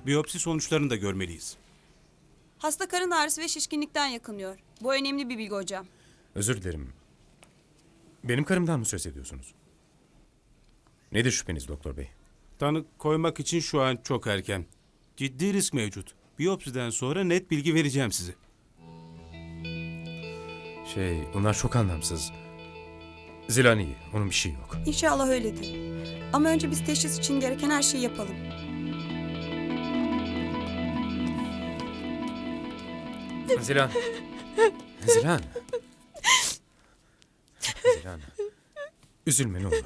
Biyopsi sonuçlarını da görmeliyiz. Hasta karın ağrısı ve şişkinlikten yakınıyor. Bu önemli bir bilgi hocam. Özür dilerim. Benim karımdan mı söz ediyorsunuz? Nedir şüpheniz doktor bey? Tanı koymak için şu an çok erken. Ciddi risk mevcut. Biyopsiden sonra net bilgi vereceğim size. Bunlar çok anlamsız. Zilan iyi, onun bir şey yok. İnşallah öyledir. Ama önce biz teşhis için gereken her şeyi yapalım. Zilan. Zilan. Zilan. Üzülme ne olur.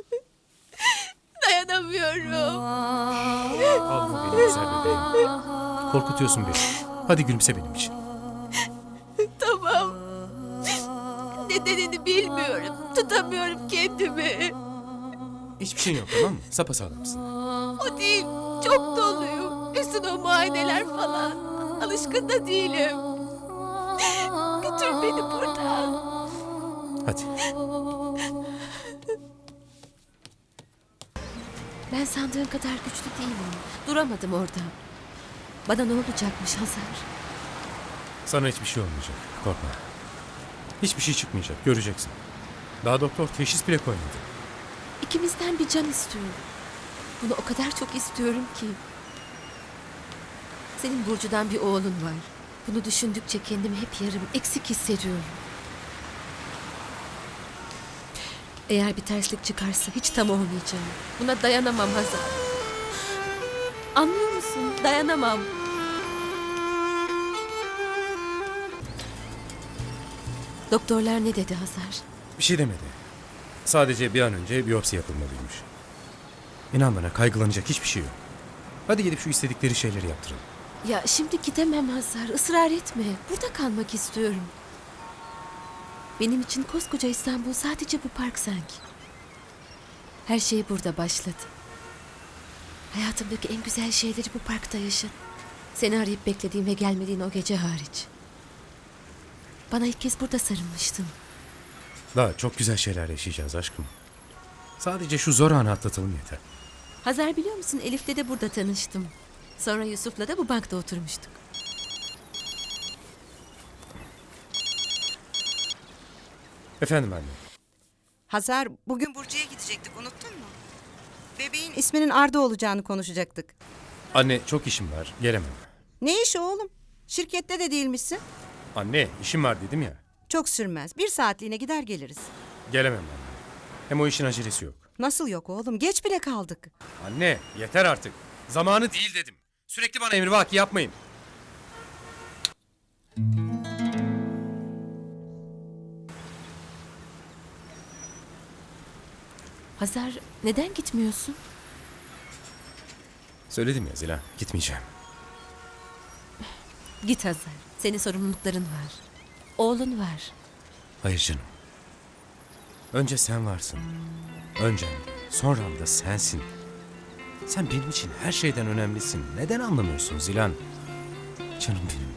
Dayanamıyorum. Ağlama benim güzel bebeğim. Korkutuyorsun beni. Hadi gülümse benim için. Tamam. Nedenini bilmiyorum. Tutamıyorum kendimi. Hiçbir şeyin yok tamam mı? Sapasağlamsın. O değil. Çok doluyum. Üstüne o muayeneler falan. Alışkın da değilim. Götür beni buradan. Hadi. Ben sandığın kadar güçlü değilim. Duramadım orada. Bana ne olacakmış Hazar? Sana hiçbir şey olmayacak. Korkma. Hiçbir şey çıkmayacak. Göreceksin. Daha doktor teşhis bile koymadı. İkimizden bir can istiyorum. Bunu o kadar çok istiyorum ki. Senin Burcu'dan bir oğlun var. Bunu düşündükçe kendimi hep yarım eksik hissediyorum. Eğer bir terslik çıkarsa hiç tam olmayacağım. Buna dayanamam Hazar. Anlıyor musun? Dayanamam. Doktorlar ne dedi Hazar? Bir şey demedi. Sadece bir an önce biyopsi yapılmalıymış. İnan bana kaygılanacak hiçbir şey yok. Hadi gidip şu istedikleri şeyleri yaptıralım. Ya şimdi gidemem Hazar. Israr etme. Burada kalmak istiyorum. Benim için koskoca İstanbul sadece bu park sanki. Her şey burada başladı. Hayatımdaki en güzel şeyleri bu parkta yaşadım. Seni arayıp beklediğim ve gelmediğin o gece hariç. Bana ilk kez burada sarılmıştın. Daha çok güzel şeyler yaşayacağız aşkım. Sadece şu zor anı atlatalım yeter. Hazar biliyor musun Elif'le de burada tanıştım. Sonra Yusuf'la da bu bankta oturmuştuk. Efendim anne. Hazar, bugün Burcu'ya gidecektik, unuttun mu? Bebeğin isminin Arda olacağını konuşacaktık. Anne çok işim var. Gelemem. Ne işi oğlum? Şirkette de değilmişsin. Anne işim var dedim ya. Çok sürmez. 1 saatliğine gider geliriz. Gelemem anne. Hem o işin acelesi yok. Nasıl yok oğlum? Geç bile kaldık. Anne yeter artık. Zamanı değil dedim. Sürekli bana emrivaki yapmayın. Hazar neden gitmiyorsun? Söyledim ya Zilan gitmeyeceğim. Git Hazar. Senin sorumlulukların var. Oğlun var. Hayır canım. Önce sen varsın. Öncem de sonram da sensin. Sen benim için her şeyden önemlisin. Neden anlamıyorsun Zilan? Canım benim.